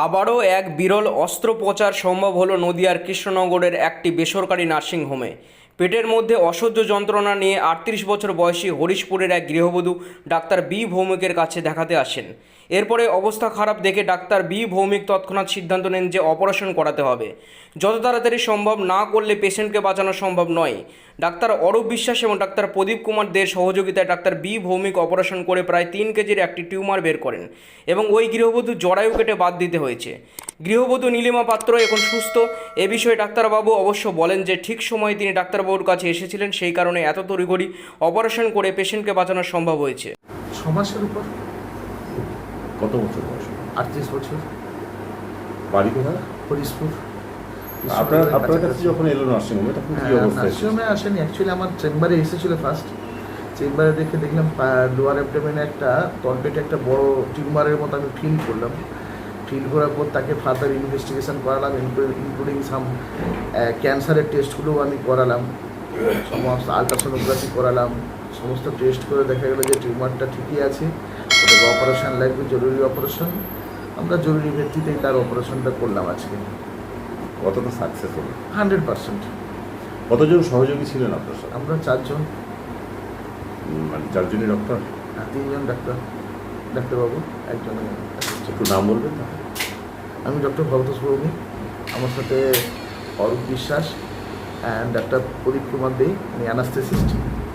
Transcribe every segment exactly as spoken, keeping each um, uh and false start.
আবারও এক বিরল অস্ত্রোপচার সম্ভব হলো নদিয়ার কৃষ্ণনগরের একটি বেসরকারি নার্সিংহোমে। পেটের মধ্যে অসহ্য যন্ত্রণা নিয়ে আটত্রিশ বছর বয়সী হরিশপুরের এক গৃহবধূ ডাক্তার বি ভৌমিকের কাছে দেখাতে আসেন। এরপরে অবস্থা খারাপ দেখে ডাক্তার বি ভৌমিক তৎক্ষণাৎ সিদ্ধান্ত নেন যে অপারেশন করাতে হবে। যত তাড়াতাড়ি সম্ভব, না করলে পেশেন্টকে বাঁচানো সম্ভব নয়। ডাক্তার অরূপ বিশ্বাস এবং ডাক্তার প্রদীপ কুমার দের সহযোগিতায় ডাক্তার বি ভৌমিক অপারেশন করে প্রায় তিন কেজির একটি টিউমার বের করেন এবং ওই গৃহবধূ জরায়ু কেটে বাদ দিতে হয়েছে। গৃহবধূ নীলিমা পাত্র এখন সুস্থ। এ বিষয়ে ডাক্তারবাবু অবশ্য বলেন যে ঠিক সময়ে তিনি ডাক্তারবাবুর কাছে এসেছিলেন, সেই কারণে এত তড়িঘড়ি অপারেশন করে পেশেন্টকে বাঁচানো সম্ভব হয়েছে। ছ মাসের উপর। কত বছর বয়স? আটত্রিশ বছর। বাড়ি কোথায়? হরিশপুর। আপনার আপনার কাছে যখন এলো নার্সিংহোমে তখন কি অবস্থা? নার্সিংহোমে আসেনি, অ্যাকচুয়ালি আমার চেম্বারে এসেছিল ফার্স্ট। চেম্বারে দেখে দেখলাম লোয়ার অ্যাবডোমেনে একটা তলপেটে একটা বড় টিউমারের মতো আমি ফিল করলাম। ফিল করার পর তাকে ফার্দার ইনভেস্টিগেশন করালাম, ইনক্লুডিং সাম ক্যান্সারের টেস্টগুলোও আমি করালাম, সমস্ত আলট্রাসোনোগ্রাফি করালাম। সমস্ত টেস্ট করে দেখা গেলো যে টিউমারটা ঠিকই আছে, ওটাকে অপারেশন লাগবে, জরুরি অপারেশন। আমরা জরুরি ভিত্তিতেই তার অপারেশনটা করলাম আজকে। কতটা সাকসেস হলো? Hundred percent. কতজন সহযোগী ছিলেন আপনার সাথে? আমরা চারজন, মানে চারজনই ডক্টর? হ্যাঁ, তিনজন ডাক্তার, ডাক্তারবাবু, একজন। একটু নাম বলবেন না? আমি ডক্টর ভরতোষ ভৌমিক, আমার সাথে অরূপ বিশ্বাস অ্যান্ড ডাক্তার প্রদীপ কুমার দে, উনি অ্যানাস্থেসিস্ট।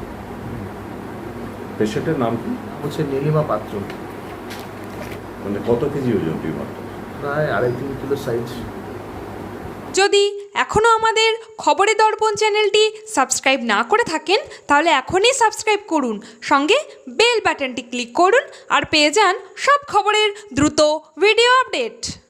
পেশেন্টের নাম কি? হচ্ছে নীলিমা পাত্র। মানে কত কেজি ওজন টিউমারটা? প্রায় আড়াই তিন কিলো সাইজ। যদি এখনও আমাদের খবরের দর্পণ চ্যানেলটি সাবস্ক্রাইব না করে থাকেন তাহলে এখনই সাবস্ক্রাইব করুন, সঙ্গে বেল বাটনটি ক্লিক করুন আর পেয়ে যান সব খবরের দ্রুত ভিডিও আপডেট।